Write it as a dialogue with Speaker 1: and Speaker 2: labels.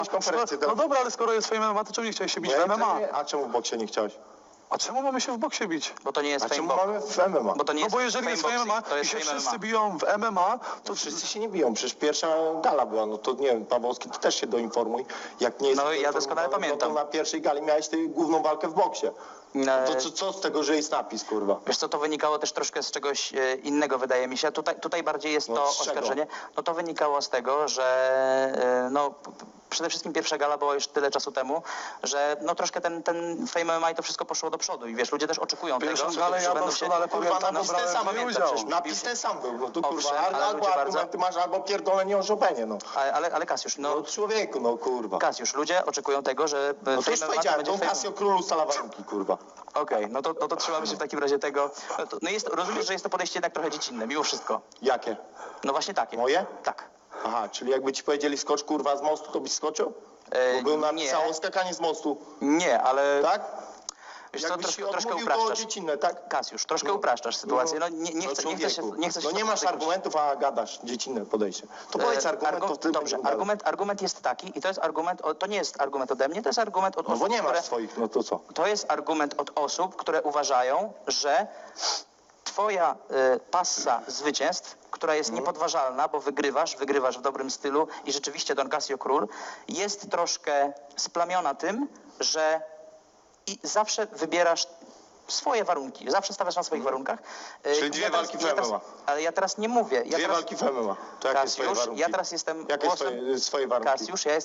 Speaker 1: konferencję.
Speaker 2: No dobra, ale skoro jest twoje MMA, to czemu nie chciałeś się bić w MMA?
Speaker 1: A czemu w boksie nie chciałeś?
Speaker 2: A czemu mamy się w boksie bić?
Speaker 3: Bo to nie jest
Speaker 1: A czemu
Speaker 3: fame
Speaker 1: mamy w MMA?
Speaker 3: Bo to nie
Speaker 2: No
Speaker 3: jest
Speaker 2: bo jeżeli jest
Speaker 3: fame
Speaker 2: MMA
Speaker 3: boxing, to
Speaker 2: i
Speaker 3: jest
Speaker 2: się
Speaker 3: fame
Speaker 2: wszyscy
Speaker 3: MMA.
Speaker 2: biją w MMA, to
Speaker 1: Wszyscy się nie biją, przecież pierwsza gala była, no to nie wiem, Pawłowski, ty też się doinformuj. Jak nie jest
Speaker 3: No ja doskonale pamiętam.
Speaker 1: No to na pierwszej gali miałeś ty główną walkę w boksie. To co z tego, że jest napis, kurwa?
Speaker 3: Wiesz co, to wynikało też troszkę z czegoś innego, wydaje mi się. Tutaj bardziej jest
Speaker 1: No,
Speaker 3: to
Speaker 1: z czego?
Speaker 3: oskarżenie. No to wynikało z tego, że przede wszystkim pierwsza gala była już tyle czasu temu, że no troszkę ten Fame MMA i to wszystko poszło do przodu i wiesz, ludzie też oczekują
Speaker 2: Pierwszą
Speaker 3: tego,
Speaker 2: galę
Speaker 3: że
Speaker 2: ja
Speaker 3: będą się...
Speaker 2: doskonale
Speaker 1: Kurwa,
Speaker 2: pamiętam,
Speaker 1: napis ten
Speaker 2: brałem
Speaker 1: sam,
Speaker 2: w niej
Speaker 1: pamiętam,
Speaker 2: udział.
Speaker 1: przecież napis ten sam był, no to kurwa,
Speaker 3: Owszem, ale
Speaker 1: albo
Speaker 3: ludzie
Speaker 1: argumenty masz, albo pierdolenie o Chopinie, no.
Speaker 3: Ale Kasiusz,
Speaker 1: No człowieku, no kurwa.
Speaker 3: Kasiusz, ludzie oczekują tego, że
Speaker 1: No to
Speaker 3: Fame
Speaker 1: już
Speaker 3: MMA
Speaker 1: powiedziałem,
Speaker 3: będzie
Speaker 1: to
Speaker 3: Fame...
Speaker 1: Casio królu ustala warunki, kurwa.
Speaker 3: Okej, no to trzymamy się w takim razie tego. Rozumiesz, że jest to podejście jednak trochę dziecinne, mimo wszystko.
Speaker 1: Jakie?
Speaker 3: No właśnie takie.
Speaker 1: Moje?
Speaker 3: Tak.
Speaker 1: Aha, czyli jakby ci powiedzieli skocz kurwa z mostu, to byś skoczył? Bo był
Speaker 3: nie.
Speaker 1: napisało skakanie z mostu,
Speaker 3: nie, ale
Speaker 1: tak?
Speaker 3: wiesz co,
Speaker 1: Jakbyś się
Speaker 3: troszkę
Speaker 1: odmówił, to
Speaker 3: upraszczasz.
Speaker 1: dziecinne, tak?
Speaker 3: Kasiusz, troszkę upraszczasz sytuację. No nie chcę się...
Speaker 1: No nie masz argumentów, a gadasz dziecinne podejście. To powiedz argument, to w tym
Speaker 3: Dobrze, argument jest taki i to jest argument, to nie jest argument ode mnie, to jest argument od
Speaker 1: No
Speaker 3: osób,
Speaker 1: bo nie masz
Speaker 3: które...
Speaker 1: swoich, no to co?
Speaker 3: To jest argument od osób, które uważają, że twoja passa zwycięstw, która jest niepodważalna, bo wygrywasz w dobrym stylu i rzeczywiście Don Casio Król jest troszkę splamiona tym, że i zawsze wybierasz swoje warunki, zawsze stawiasz na swoich warunkach.
Speaker 1: Czyli dwie walki w MMA.
Speaker 3: Ale ja teraz nie mówię.
Speaker 1: Dwie walki w MMA. To jakie swoje
Speaker 3: Kasiusz,
Speaker 1: warunki?
Speaker 3: ja teraz jestem
Speaker 1: Jakie
Speaker 3: głosem...
Speaker 1: swoje warunki?
Speaker 3: Kasiusz, ja